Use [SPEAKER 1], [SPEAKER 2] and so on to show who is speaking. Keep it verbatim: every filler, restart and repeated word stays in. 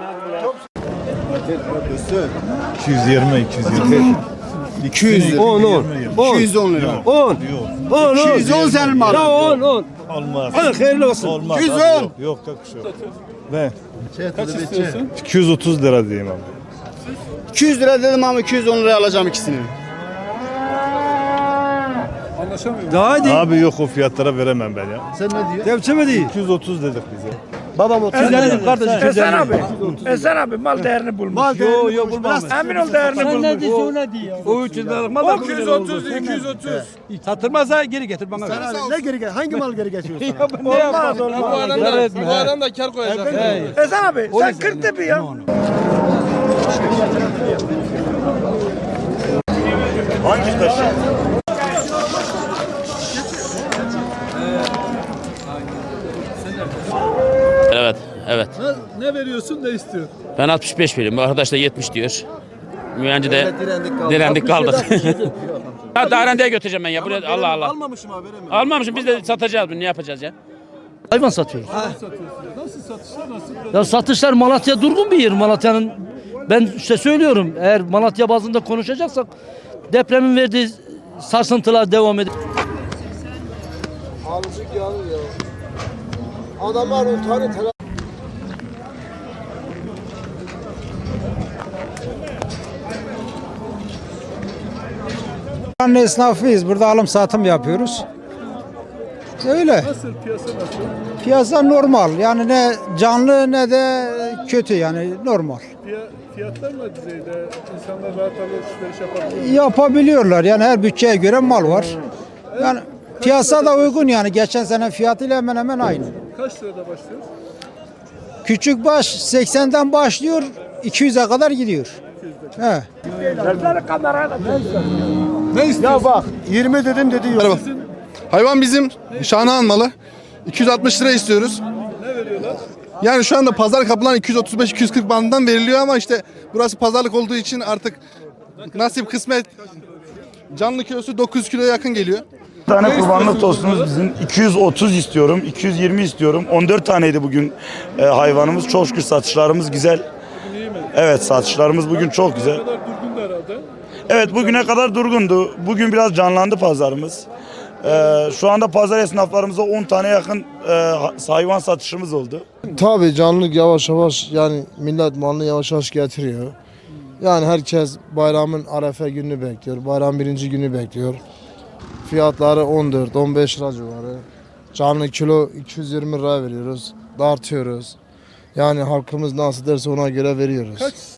[SPEAKER 1] iki yüz yirmi, iki yüz yirmi.
[SPEAKER 2] iki yüz lira.
[SPEAKER 3] on on.
[SPEAKER 2] iki yüz on lira.
[SPEAKER 3] on. on.
[SPEAKER 2] iki yüz on senin malın.
[SPEAKER 3] Ya on on.
[SPEAKER 1] Olmaz.
[SPEAKER 3] Hadi hayırlı olsun.
[SPEAKER 1] Olmaz.
[SPEAKER 2] iki yüz on.
[SPEAKER 1] Abi, Yok yok yok bir şey yok. Ne?
[SPEAKER 4] Kaç istiyorsun?
[SPEAKER 1] iki yüz otuz lira diyeyim abi.
[SPEAKER 2] iki yüz lira dedim ama iki yüz on liraya alacağım ikisini.
[SPEAKER 4] Anlaşamıyor.
[SPEAKER 3] Daha hadi.
[SPEAKER 1] Abi yok o fiyatlara veremem ben ya.
[SPEAKER 4] Sen ne diyorsun?
[SPEAKER 3] Devçeme değil.
[SPEAKER 1] iki yüz otuz dedik bize.
[SPEAKER 3] Babam otuz lira dedim kardeşim.
[SPEAKER 5] Esen abi, Esen abi mal değerini bulmuş.
[SPEAKER 3] Mal yo yo bulmaz.
[SPEAKER 5] Emin ol değerini bulmuş.
[SPEAKER 6] Ne diyorsun o ne diyor?
[SPEAKER 3] O üç yüz liralık mal da
[SPEAKER 5] iki yüz otuz, iki yüz otuz.
[SPEAKER 3] satılmazsa geri getir bana. ver.
[SPEAKER 4] Ne geri gel? Hangi mal geri geçiyor sana?
[SPEAKER 5] Olmaz, olmaz.
[SPEAKER 6] Bu adam da, bu adam da kar koyacak.
[SPEAKER 5] Esen abi, sen kırk bir ya.
[SPEAKER 1] Hangi taşı?
[SPEAKER 7] Evet, evet.
[SPEAKER 4] Ne, ne veriyorsun, ne istiyorsun?
[SPEAKER 7] Ben altmış beş veriyorum. Bu arkadaş da yetmiş diyor. Mühenci de direndik kaldık. Ha, Darende'ye götüreceğim ben ya. Buraya, Allah Allah.
[SPEAKER 4] Almamışım abi, veremiyorum.
[SPEAKER 7] Almamışım, biz de satacağız bunu. Ne yapacağız ya?
[SPEAKER 6] Hayvan satıyoruz.
[SPEAKER 4] Nasıl satışlar, nasıl?
[SPEAKER 6] Ya satışlar Malatya durgun bir yer. Malatya'nın ben işte söylüyorum eğer Malatya bazında konuşacaksak depremin verdiği sarsıntılar devam ediyor.
[SPEAKER 4] Alıcı yanıyor ya. Adamlar utanıyor.
[SPEAKER 8] Buranın esnafıyız. Burada alım satım yapıyoruz. Öyle.
[SPEAKER 4] Nasıl, piyasa nasıl?
[SPEAKER 8] Piyasa normal. Yani ne canlı ne de kötü yani normal.
[SPEAKER 4] Fiya- Fiyatlar mı düzeyde? İnsanlar rahat alışveriş yapabiliyor.
[SPEAKER 8] Yapabiliyorlar. Yani her bütçeye göre mal var. Yani piyasa da uygun yani. Geçen sene fiyatıyla hemen hemen aynı.
[SPEAKER 4] Kaç lirada başlıyoruz?
[SPEAKER 8] Küçük baş seksenden başlıyor iki yüze kadar gidiyor. He.
[SPEAKER 4] Ne istiyorsun? Ya bak,
[SPEAKER 2] yirmi dedim dedi yok. Hayvan bizim Şahnağan malı. iki yüz altmış lira istiyoruz.
[SPEAKER 4] Ne veriyorlar?
[SPEAKER 2] Yani şu anda pazar kapılan iki yüz otuz beş iki yüz kırk bandından veriliyor ama işte burası pazarlık olduğu için artık nasip kısmet canlı kilosu dokuz yüz kiloya yakın geliyor.
[SPEAKER 9] Bir tane kurbanlık tostunuz bizim iki yüz otuz istiyorum, iki yüz yirmi istiyorum. on dört taneydi bugün e, hayvanımız. Çok şükür satışlarımız güzel. Evet, satışlarımız bugün çok güzel.
[SPEAKER 4] Ne kadar durgundu herhalde.
[SPEAKER 9] Evet, bugüne kadar durgundu. Bugün biraz canlandı pazarımız. E, şu anda pazar esnaflarımıza on tane yakın e, hayvan satışımız oldu.
[SPEAKER 10] Tabii canlılık yavaş yavaş yani millet malını yavaş yavaş getiriyor. Yani herkes bayramın Arefe gününü bekliyor. Bayram birinci günü bekliyor. Fiyatları on dört on beş lira civarı. Canlı kilo iki yüz yirmi lira veriyoruz. Dartıyoruz. Yani halkımız nasıl derse ona göre veriyoruz.
[SPEAKER 4] Kaç